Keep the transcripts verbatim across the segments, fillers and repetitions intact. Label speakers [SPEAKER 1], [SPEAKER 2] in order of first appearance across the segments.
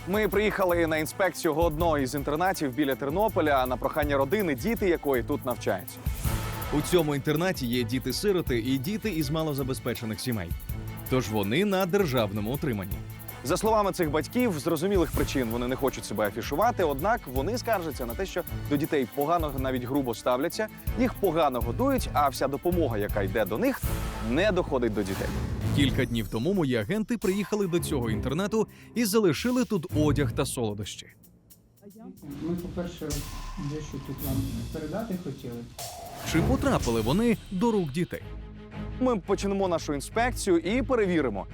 [SPEAKER 1] Ми приїхали на інспекцію одного із інтернатів біля Тернополя на прохання родини, діти якої тут навчаються.
[SPEAKER 2] У цьому інтернаті є діти-сироти і діти із малозабезпечених сімей. Тож вони на державному утриманні.
[SPEAKER 1] За словами цих батьків, з зрозумілих причин вони не хочуть себе афішувати, однак вони скаржаться на те, що до дітей погано, навіть грубо ставляться, їх погано годують, а вся допомога, яка йде до них, не доходить до дітей.
[SPEAKER 2] Кілька днів тому мої агенти приїхали до цього інтернату і залишили тут одяг та солодощі.
[SPEAKER 3] Ми, по-перше, дещо тут вам передати хотіли.
[SPEAKER 2] Чи потрапили вони до рук дітей?
[SPEAKER 1] Ми почнемо нашу інспекцію і перевіримо.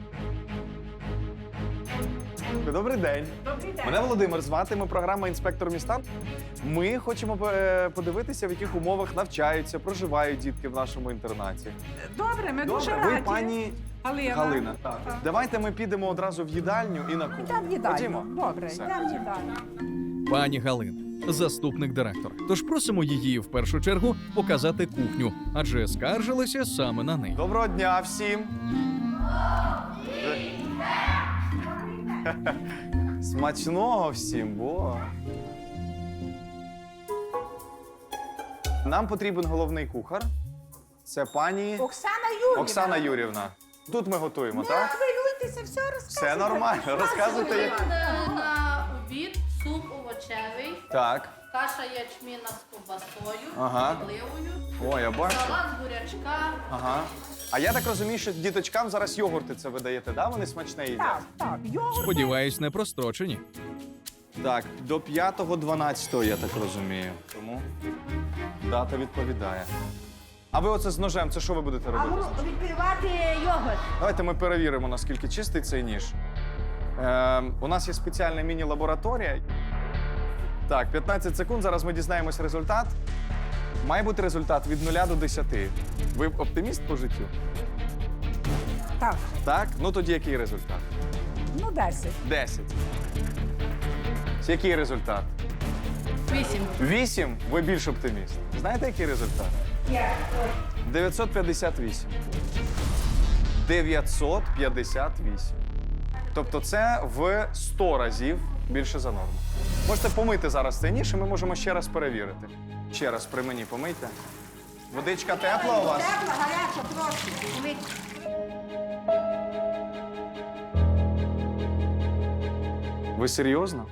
[SPEAKER 1] Добрий день.
[SPEAKER 4] Добрий день.
[SPEAKER 1] Мене Володимир звати, ми програма «Інспектор міста». Ми хочемо е, подивитися, в яких умовах навчаються, проживають дітки в нашому інтернаті.
[SPEAKER 4] Добре, ми дуже
[SPEAKER 1] Добре, ви
[SPEAKER 4] раді.
[SPEAKER 1] пані
[SPEAKER 4] Галина.
[SPEAKER 1] Галина. Так. Давайте ми підемо одразу в їдальню і на кухню.
[SPEAKER 4] Йдемо в їдальню.
[SPEAKER 1] Ходімо.
[SPEAKER 4] Добре,
[SPEAKER 1] Все.
[SPEAKER 4] йдемо в їдальню.
[SPEAKER 2] Пані Галина, заступник директора. Тож просимо її в першу чергу показати кухню, адже скаржилися саме на неї.
[SPEAKER 1] Доброго дня всім. Смачного всім, бо. Нам потрібен головний кухар. Це пані
[SPEAKER 4] Оксана Юрівна.
[SPEAKER 1] Оксана Юрівна. Тут ми готуємо,
[SPEAKER 4] Не
[SPEAKER 1] так?
[SPEAKER 4] хвилюйтеся, все розказуйте.
[SPEAKER 1] Все нормально. Розказуйте. як-
[SPEAKER 5] Буде на обід суп овочевий,
[SPEAKER 1] Так.
[SPEAKER 5] каша ячміна з ковбасою,
[SPEAKER 1] Ага.
[SPEAKER 5] з підливою,
[SPEAKER 1] О, я бачу.
[SPEAKER 5] салат з бурячка.
[SPEAKER 1] Ага. А я так розумію, що діточкам зараз йогурти це ви даєте, да? Вони смачне їдять?
[SPEAKER 4] Так, так, йогурт.
[SPEAKER 2] Сподіваюсь, не прострочені.
[SPEAKER 1] Так, до п'ятого дванадцятого, я так розумію. Тому дата відповідає. А ви оце з ножем, це що ви будете
[SPEAKER 4] А
[SPEAKER 1] робити?
[SPEAKER 4] ну, відкривати йогурт.
[SPEAKER 1] Давайте ми перевіримо, наскільки чистий цей ніж. Е, у нас є спеціальна міні-лабораторія. Так, п'ятнадцять секунд, зараз ми дізнаємось результат. Має бути результат від нуля до десяти. Ви оптиміст по життю?
[SPEAKER 4] Так,
[SPEAKER 1] Так? Ну тоді який результат?
[SPEAKER 4] ну десять.
[SPEAKER 1] десять. Який результат?
[SPEAKER 5] Вісім.
[SPEAKER 1] вісім? Ви більш оптиміст. Знаєте, який результат? дев'ятсот п'ятдесят вісім. дев'ятсот п'ятдесят вісім. Тобто це в сто разів більше за норму. Можете помити зараз цей ніж, і ми можемо ще раз перевірити. Ще раз при мені помийте. Водичка тепла у вас?
[SPEAKER 4] Тепла, гаряча, трошки.
[SPEAKER 1] Ви серйозно?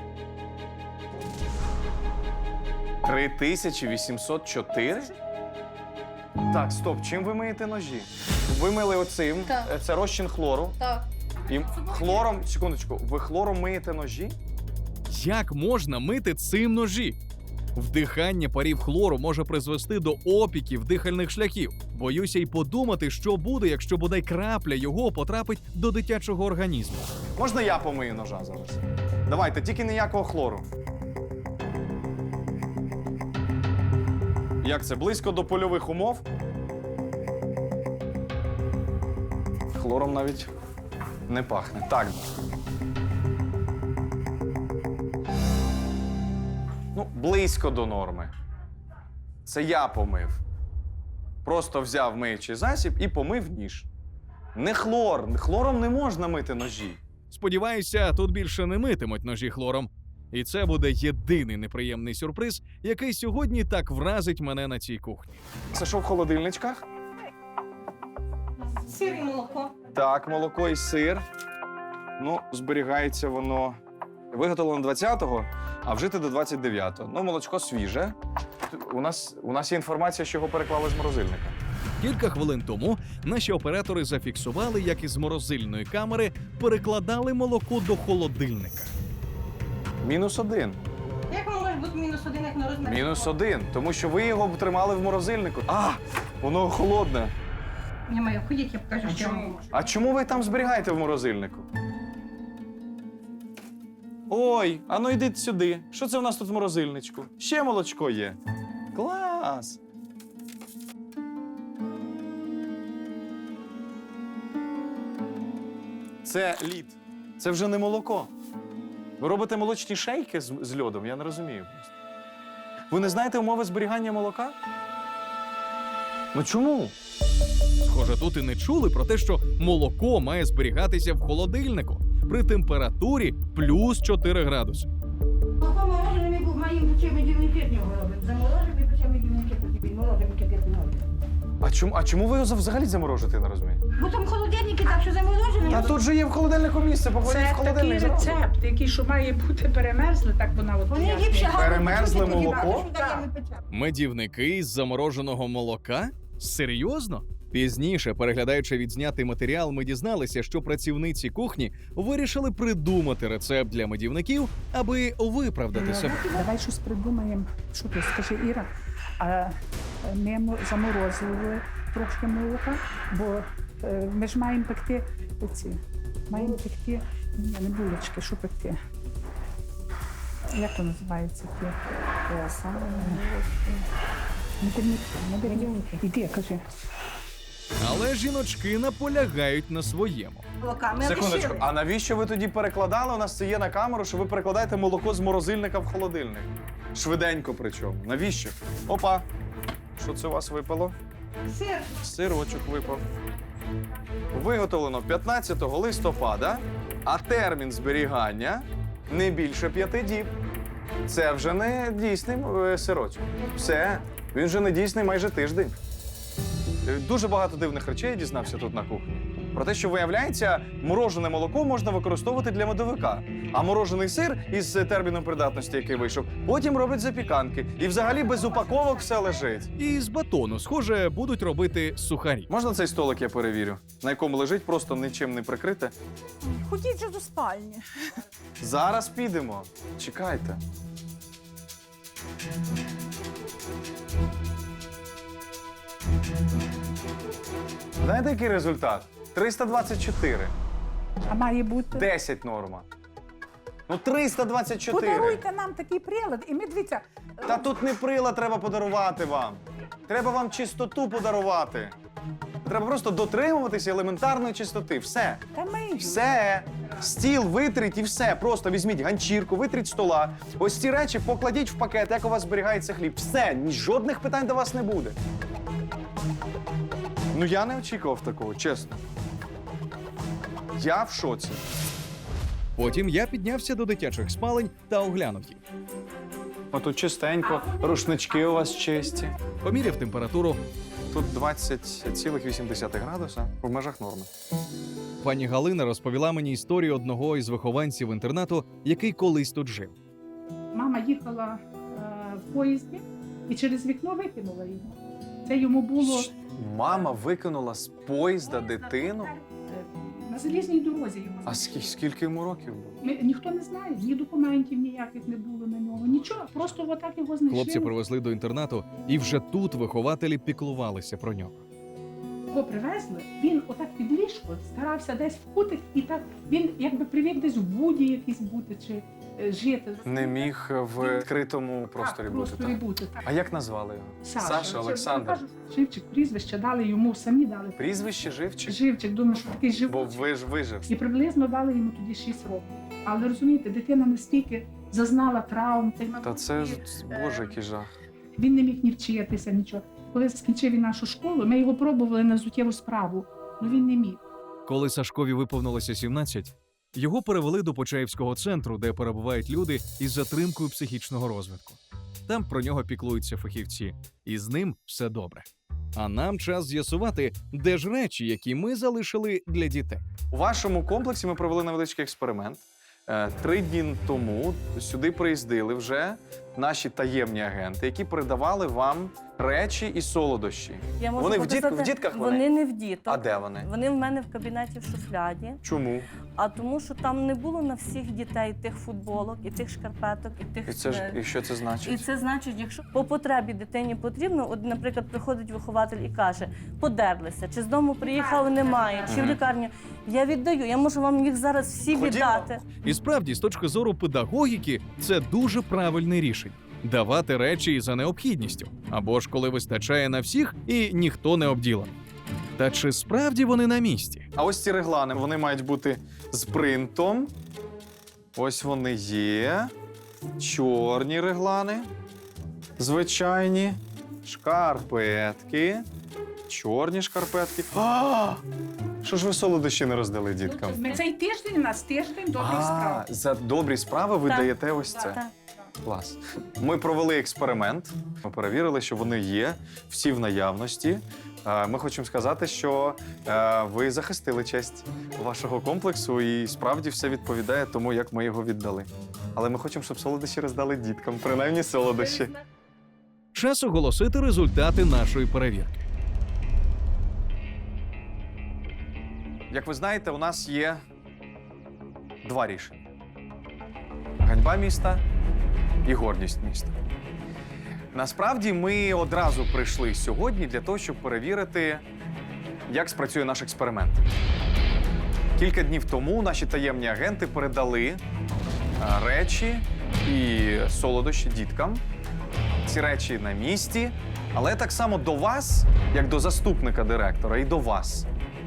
[SPEAKER 1] три тисячі вісімсот чотири? Так, стоп, чим ви миєте ножі? Ви мили оцим,
[SPEAKER 5] Так.
[SPEAKER 1] е, це розчин хлору.
[SPEAKER 5] Так.
[SPEAKER 1] І хлором, секундочку, ви хлором миєте ножі?
[SPEAKER 2] Як можна мити цим ножі? Вдихання парів хлору може призвести до опіків дихальних шляхів. Боюся й подумати, що буде, якщо бодай крапля його потрапить до дитячого організму.
[SPEAKER 1] Можна я помию ножа зараз? Давайте, тільки ніякого хлору. Як це? Близько до польових умов? Хлором навіть не пахне. Так. Ну, близько до норми. Це я помив. Просто взяв миючий засіб і помив ніж. Не хлор. Хлором не можна мити ножі.
[SPEAKER 2] Сподіваюся, тут більше не митимуть ножі хлором. І це буде єдиний неприємний сюрприз, який сьогодні так вразить мене на цій кухні.
[SPEAKER 1] Це що в холодильничках?
[SPEAKER 4] Сир і молоко.
[SPEAKER 1] Так, молоко і сир. Ну, зберігається воно. Виготовлено двадцятого, а вжити до двадцять дев'ятого. Ну, молочко свіже. У нас, у нас є інформація, що його переклали з морозильника.
[SPEAKER 2] Кілька хвилин тому наші оператори зафіксували, як із морозильної камери перекладали молоко до холодильника.
[SPEAKER 1] Мінус один.
[SPEAKER 4] Як може бути мінус один, як на розмір?
[SPEAKER 1] Мінус один. Тому що ви його тримали в морозильнику. А, воно холодне.
[SPEAKER 4] Не маю, ходіть, я покажу, що чому?
[SPEAKER 1] А чому ви там зберігаєте в морозильнику? Ой, а ну йдіть сюди. Що це в нас тут в морозильничку? Ще молочко є. Клас! Це лід. Це вже не молоко. Ви робите молочні шейки з, з льодом? Я не розумію просто. Ви не знаєте умови зберігання молока? Ну чому?
[SPEAKER 2] Схоже, тут і не чули про те, що молоко має зберігатися в холодильнику. при температурі плюс чотири градуси.
[SPEAKER 4] Молоко морожене ми маємо чим дівники з нього робимо. Заморожені, потім дівники потім морожені кипятимо.
[SPEAKER 1] А чому, а чому ви його взагалі заморожите, я не розумію?
[SPEAKER 4] Бо там холодильники, так що заморожені.
[SPEAKER 1] Та тут же є в холодильнику місце, покладіть в
[SPEAKER 3] Це такий
[SPEAKER 1] холодильник. зразу.
[SPEAKER 3] рецепт, який що має бути перемерзлий, так вона от
[SPEAKER 4] Вони
[SPEAKER 3] пояснює.
[SPEAKER 4] ліпше гарно
[SPEAKER 1] Перемерзле
[SPEAKER 4] почути, тоді
[SPEAKER 1] молоко?
[SPEAKER 4] багато що даємо і печемо.
[SPEAKER 2] Медівники із замороженого молока? Серйозно? Пізніше, переглядаючи відзнятий матеріал, ми дізналися, що працівниці кухні вирішили придумати рецепт для медівників, аби виправдати себе.
[SPEAKER 6] Давай щось придумаємо. Що ти скажи, Іра? А ми мо- заморозили трошки молока, бо е, ми ж маємо пекти оці. Маємо пекти. Ні, не булочки, що пекти? Як то називається? Ті? Е, саме, Медівники. Медівники. Іди, кажи.
[SPEAKER 2] Але жіночки наполягають на своєму.
[SPEAKER 4] Молока ми
[SPEAKER 1] Секундочку,
[SPEAKER 4] лишили.
[SPEAKER 1] а навіщо ви тоді перекладали? У нас це є на камеру, що ви перекладаєте молоко з морозильника в холодильник. Швиденько причому. Навіщо? Опа! Що це у вас випало?
[SPEAKER 4] Сир.
[SPEAKER 1] Сирочок випав. Виготовлено п'ятнадцятого листопада, а термін зберігання не більше п'яти діб. Це вже не дійсний е, сирочок. Все, він вже не дійсний майже тиждень. Е, Дуже багато дивних речей я дізнався тут на кухні. Про те, що, виявляється, морожене молоко можна використовувати для медовика, а морожений сир із терміном придатності, який вийшов, потім роблять запіканки. І взагалі без упаковок все лежить.
[SPEAKER 2] І з батону, схоже, будуть робити сухарі.
[SPEAKER 1] Можна цей столик я перевірю, на якому лежить просто нічим не прикрите?
[SPEAKER 7] Ходіть же до спальні.
[SPEAKER 1] Зараз підемо. Чекайте. Знаєте, який результат? триста двадцять чотири.
[SPEAKER 6] А має бути.
[SPEAKER 1] десять норма. Ну, триста двадцять чотири.
[SPEAKER 6] Подаруйте нам такий прилад, і ми дивіться.
[SPEAKER 1] Та тут не прилад треба подарувати вам. Треба вам чистоту подарувати. Треба просто дотримуватися елементарної чистоти. Все.
[SPEAKER 6] Та ми
[SPEAKER 1] Все. Стіл витріть і все. Просто візьміть ганчірку, витріть стола. Ось ці речі покладіть в пакет, як у вас зберігається хліб. Все, ні- жодних питань до вас не буде. Ну я не очікував такого, чесно. Я в шоці.
[SPEAKER 2] Потім я піднявся до дитячих спалень та оглянув їх.
[SPEAKER 1] Отут чистенько, рушнички у вас чисті.
[SPEAKER 2] Поміряв температуру.
[SPEAKER 1] Тут двадцять цілих вісім десятих градуса в межах норми.
[SPEAKER 2] Пані Галина розповіла мені історію одного із вихованців інтернату, який колись тут жив.
[SPEAKER 6] Мама їхала е, в поїзді і через вікно викинула його. Це йому було
[SPEAKER 1] Щ- Мама викинула з поїзда дитину.
[SPEAKER 6] е, на залізній дорозі йому.
[SPEAKER 1] А скільки, скільки йому років було?
[SPEAKER 6] Ми, ніхто не знає, ні документів ніяких не було на нього. Нічого, просто отак його знайшли.
[SPEAKER 2] Хлопці привезли до інтернату, і вже тут вихователі піклувалися про нього.
[SPEAKER 6] Його привезли, він отак під ліжко старався десь в кутик, і так він якби привик десь в буді якийсь бути чи е, жити.
[SPEAKER 1] Не міг в відкритому просторі
[SPEAKER 6] так,
[SPEAKER 1] бути.
[SPEAKER 6] просторі
[SPEAKER 1] Так.
[SPEAKER 6] бути. Так.
[SPEAKER 1] А як назвали його?
[SPEAKER 6] Саша, Це,
[SPEAKER 1] Олександр.
[SPEAKER 6] кажуть, Живчик, прізвище дали йому, самі дали.
[SPEAKER 1] Прізвище живчик?
[SPEAKER 6] Живчик, думаю, що такий
[SPEAKER 1] Бо
[SPEAKER 6] живчик.
[SPEAKER 1] ви ж вижив.
[SPEAKER 6] І приблизно дали йому тоді шість років. Але розумієте, дитина настільки зазнала травм.
[SPEAKER 1] Та це ж, боже, який жах.
[SPEAKER 6] Він не міг ні вчитися, нічого. Коли скінчив він нашу школу, ми його пробували на взуттєву справу, але він не міг.
[SPEAKER 2] Коли Сашкові виповнилося сімнадцять, його перевели до Почаївського центру, де перебувають люди із затримкою психічного розвитку. Там про нього піклуються фахівці, і з ним все добре. А нам час з'ясувати, де ж речі, які ми залишили для дітей.
[SPEAKER 1] У вашому комплексі ми провели невеличкий експеримент. Е, Три дні тому сюди приїздили вже наші таємні агенти, які передавали вам речі і солодощі.
[SPEAKER 7] Я можу
[SPEAKER 1] Вони в
[SPEAKER 7] показати,
[SPEAKER 1] дітк- в дітках вони?
[SPEAKER 7] Вони не в діток.
[SPEAKER 1] А де вони?
[SPEAKER 7] Вони в мене в кабінеті в шуфляді.
[SPEAKER 1] Чому?
[SPEAKER 7] А тому, що там не було на всіх дітей тих футболок, і тих шкарпеток, і тих.
[SPEAKER 1] І це ж
[SPEAKER 7] е,
[SPEAKER 1] і що це
[SPEAKER 7] І
[SPEAKER 1] значить?
[SPEAKER 7] це значить, якщо по потребі дитині потрібно, от, наприклад, приходить вихователь і каже, подерлися, чи з дому приїхали, немає, чи в
[SPEAKER 1] Мгм.
[SPEAKER 7] лікарню. Я віддаю, я можу вам їх зараз всі
[SPEAKER 1] Ходімо.
[SPEAKER 7] віддати.
[SPEAKER 2] І справді, з точки зору педагогіки, це дуже правильне рішення – давати речі за необхідністю, або ж коли вистачає на всіх і ніхто не обділений. Та чи справді вони на місці?
[SPEAKER 1] А ось ці реглани, вони мають бути з принтом. Ось вони є. Чорні реглани. Звичайні. Шкарпетки. Чорні шкарпетки. А! Що ж ви солодощі не роздали діткам?
[SPEAKER 6] Ми цей тиждень, у нас тиждень добрих
[SPEAKER 1] А,
[SPEAKER 6] справ.
[SPEAKER 1] за добрі справи ви
[SPEAKER 7] Так.
[SPEAKER 1] даєте ось це.
[SPEAKER 7] Так.
[SPEAKER 1] Клас. Ми провели експеримент. Ми перевірили, що вони є, всі в наявності. Е, Ми хочемо сказати, що е, ви захистили честь вашого комплексу і справді все відповідає тому, як ми його віддали. Але ми хочемо, щоб солодощі роздали діткам, принаймні солодощі.
[SPEAKER 2] Час оголосити результати нашої перевірки.
[SPEAKER 1] Як ви знаєте, у нас є два рішення: ганьба міста і гордість міста. Насправді ми одразу прийшли сьогодні для того, щоб перевірити, як спрацює наш експеримент. Кілька днів тому наші таємні агенти передали а, речі і солодощі діткам. Ці речі на місці, але так само до вас, як до заступника директора, і до вас.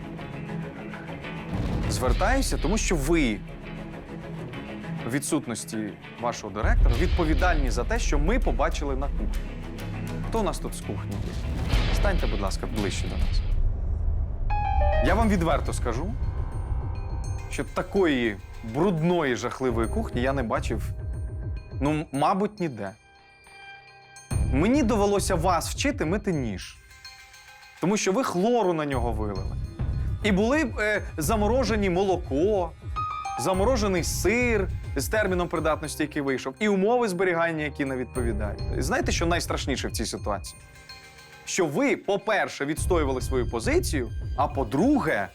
[SPEAKER 1] Звертаюся, тому що ви в відсутності вашого директора відповідальні за те, що ми побачили на кухні. Хто у нас тут з кухні є? Станьте, будь ласка, ближче до нас. Я вам відверто скажу, що такої брудної, жахливої кухні я не бачив, ну, мабуть, ніде. Мені довелося вас вчити мити ніж, тому що ви хлору на нього вилили. І були е, заморожені молоко, заморожений сир з терміном придатності, який вийшов, і умови зберігання, які не відповідають. Знаєте, що найстрашніше в цій ситуації? Що ви, по-перше, відстоювали свою позицію, а по-друге,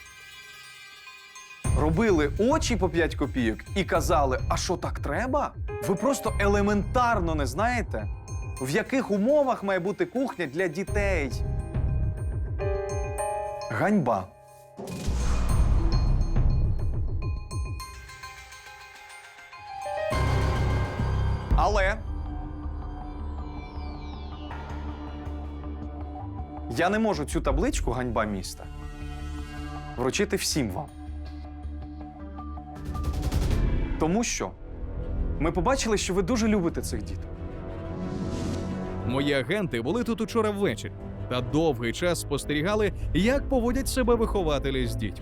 [SPEAKER 1] робили очі по п'ять копійок і казали, а що так треба? Ви просто елементарно не знаєте, в яких умовах має бути кухня для дітей. Ганьба. Але я не можу цю табличку «Ганьба міста» вручити всім вам. Тому що ми побачили, що ви дуже любите цих діток.
[SPEAKER 2] Мої агенти були тут учора ввечері та довгий час спостерігали, як поводять себе вихователі з дітьми.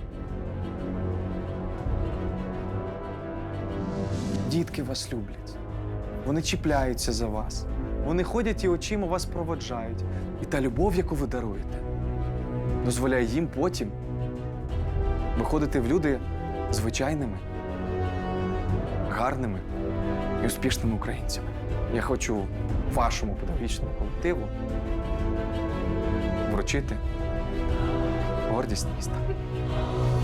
[SPEAKER 1] Дітки вас люблять. Вони чіпляються за вас. Вони ходять і очима вас проводжають. І та любов, яку ви даруєте, дозволяє їм потім виходити в люди звичайними, гарними і успішними українцями. Я хочу вашому педагогічному колективу вручити гордість міста.